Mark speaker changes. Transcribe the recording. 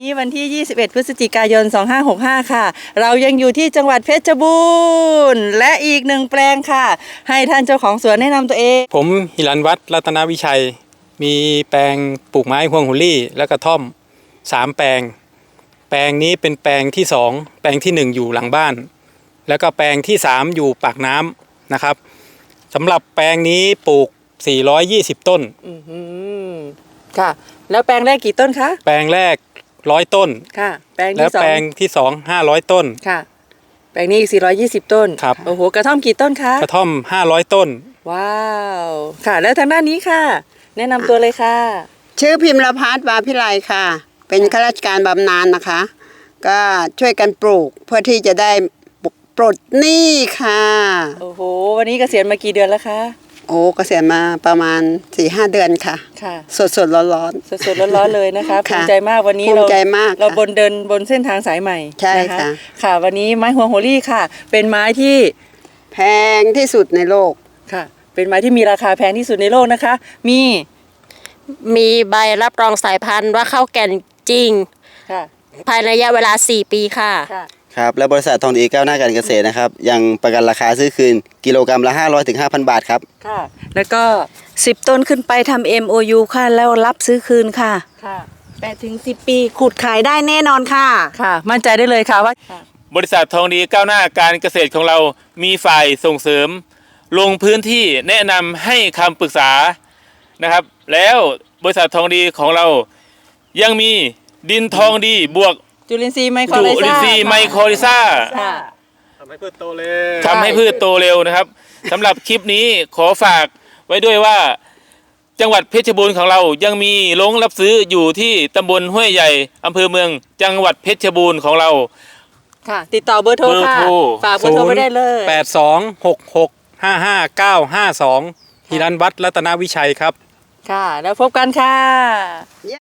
Speaker 1: นี่วันที่ 21 พฤศจิกายน 2565 ค่ะ เรายังอยู่ที่จังหวัดเพชรบูรณ์และอีกหนึ่งแปลงค่ะ ให้ท่านเจ้าของสวนแนะนำตัวเอง
Speaker 2: ผมหิรันวัฒน์รัตนวิชัย มีแปลงปลูกไม้ฮวงหัวลี่และกระท่อม3แปลง แปลงนี้เป็นแปลงที่2แปลงที่1อยู่หลังบ้าน แล้วก็แปลงที่3อยู่ปากน้ำนะครับสำหรับแปลงนี้ปลูก420ต้น
Speaker 1: ค่ะ แล้วแปลงแรกกี่ต้นคะ
Speaker 2: แปลงแรก100ต้น
Speaker 1: ค่ะ แปลง
Speaker 2: และ
Speaker 1: ที่สอ
Speaker 2: แปล
Speaker 1: ง
Speaker 2: งที่2 500ต้น
Speaker 1: ค่ะ แปลงนี้อีก420 ต้น
Speaker 2: ครับ
Speaker 1: โอ้โห กระท่อมกี่ต้นคะ
Speaker 2: กระท่อม500ต้น
Speaker 1: ว้าว ค่ะ แล้วทางด้านนี้ค่ะ แนะนำตัวเลยค่ะ
Speaker 3: ชื่อพิมพ์ละพัฒน์วาพิไลค่ะ เป็นข้าราชการบำนาญนะคะ ก็ช่วยกันปลูกเพื่อที่จะได้ปลดหนี้ค่ะ
Speaker 1: โอ้โห วันนี้เกษียณมากี่เดือนแล้วคะ
Speaker 3: โอ้เกษียณมาประมาณ 4-5 เดือนค่ะ
Speaker 1: ค่ะ
Speaker 3: สดๆร้อน
Speaker 1: สดๆร้อนๆเลยนะคะภู
Speaker 3: ค่ะ
Speaker 1: มิใจมากวันนี้
Speaker 3: ภูมิใจมาก
Speaker 1: เรา
Speaker 3: ค่ะ
Speaker 1: บนเดินบนเส้นทางสายใหม่
Speaker 3: ใช่
Speaker 1: นะคะ
Speaker 3: ค่ะ
Speaker 1: ค่ะ วันนี้ไม้ฮวงโฮลี่ค่ะ เป็นไม้ที่
Speaker 3: ๆแพงที่สุดในโลก
Speaker 1: ค่ะ เป็นไม้ที่มีราคาแพงที่สุดในโลกนะคะ
Speaker 4: มีใบรับรองสายพันธุ์ว่าเข้าแก่นจริง
Speaker 1: ค่ะ
Speaker 4: ภายในระยะเวลา 4 ปีค่ะ
Speaker 1: ค่ะ
Speaker 5: ครับและบริษัททองดีก้าวหน้าการเกษตรนะครับยังประกันราคาซื้อคืนกิโลกรัมละ 500 ถึง 5,000 บาทครับ
Speaker 1: ค่ะ แล้วก็
Speaker 6: 10 ต้นขึ้นไปทำ MOU ค่ะ แล้วรับซื้อคืนค่ะ
Speaker 1: ค่ะ
Speaker 6: 8 ถึง 10 ปีขุดขายได้แน่นอนค่ะ
Speaker 1: ค่ะ มั่นใจได้เลยค่ะว่า
Speaker 7: บริษัททองดีก้าวหน้าการเกษตรของเรามีฝ่ายส่งเสริม ลงพื้นที่แนะนำให้คำปรึกษานะครับ แล้วบริษัททองดีของเรายังมีดินทองดีบวก
Speaker 1: จุลินทรีย์ไมโคร
Speaker 7: จุ
Speaker 1: ไล
Speaker 7: ลิน
Speaker 1: ซ่า
Speaker 7: ทรีย์ไมโครลิซ่า
Speaker 1: ค่ะ
Speaker 2: ทำให้พืชโตเร็ว
Speaker 7: ทำให้พืชโตเร็วนะครับสำหรับคลิปนี้ขอฝากไว้ด้วยว่า จังหวัดเพชรบูรณ์ของเรายังมีโรงรับซื้ออยู่ที่ตำบลห้วยใหญ่อำเภอเมือง จังหวัดเพชรบูรณ์ของเรา
Speaker 1: ค่ะ ติดต่อเบอร์โทรค่ะ
Speaker 7: เบอร์โทร
Speaker 1: ฝากเบอร์โทรไปได้เลย
Speaker 2: 8266555952หิรันวัฒน์รัตนวิชัยครับ
Speaker 1: ค่ะ แล้วพบกันค่ะ